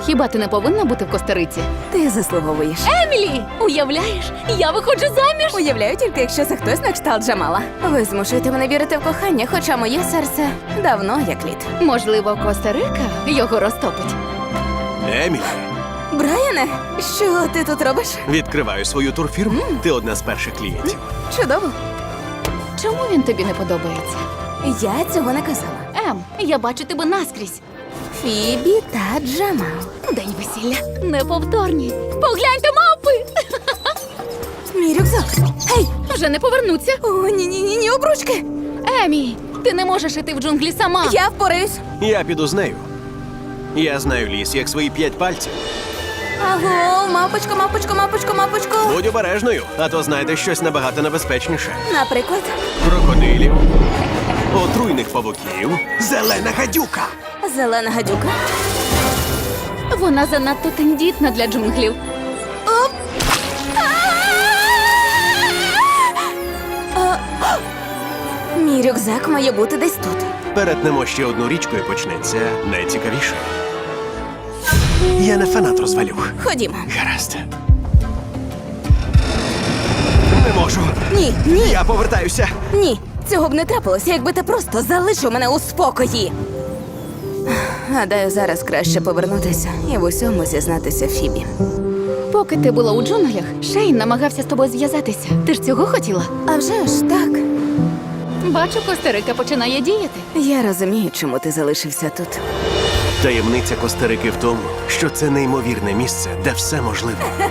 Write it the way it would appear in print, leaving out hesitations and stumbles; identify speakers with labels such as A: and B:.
A: хіба ти не повинна бути в Коста-Риці?
B: Ти заслуговуєш.
A: Емілі! Уявляєш, я виходжу заміж!
B: Уявляю тільки, якщо це хтось на кшталт Джамала. Ви змушуєте мене вірити в кохання, хоча моє серце давно як лід.
A: Можливо, Коста-Рика його розтопить.
C: Емілі,
B: Брайане, що ти тут робиш?
C: відкриваю свою турфірму. Ти одна з перших клієнтів.
B: Чудово.
A: Чому він тобі не подобається?
B: Я цього не казала.
A: Я бачу тебе наскрізь.
B: Фібі та Джамал.
A: День весілля. Неповторні. Погляньте, мавпи!
B: Мій рюкзак. Гей!
A: Вже не повернуться.
B: О, ні, обручки.
A: Емі, ти не можеш іти в джунглі сама.
B: Я впораюсь.
C: Я піду з нею. Я знаю ліс, як свої 5 пальців.
B: Аго, мапочко.
C: Будь обережною, а то знайдеш щось набагато небезпечніше.
B: Наприклад,
C: Крокодилів, отруйних павуків, зелена гадюка.
B: зелена гадюка.
A: Вона занадто тендітна для джунглів.
B: Мій рюкзак має бути десь тут.
C: Перетнемо ще одну річку і почнеться найцікавіше. Я не фанат розвалюх.
B: Ходімо.
C: Гаразд. Не можу.
B: Ні.
C: Я повертаюся.
B: Ні, цього б не трапилося, якби ти просто залишив мене у спокої. Гадаю, зараз краще повернутися і в усьому зізнатися Фібі.
A: Поки ти була у джунглях, Шейн намагався з тобою зв'язатися. Ти ж цього хотіла?
B: А вже ж так.
A: Бачу, Коста-Рика починає діяти.
B: Я розумію, чому ти залишився тут.
C: Таємниця Коста-Рики в тому, що це неймовірне місце, де все можливо.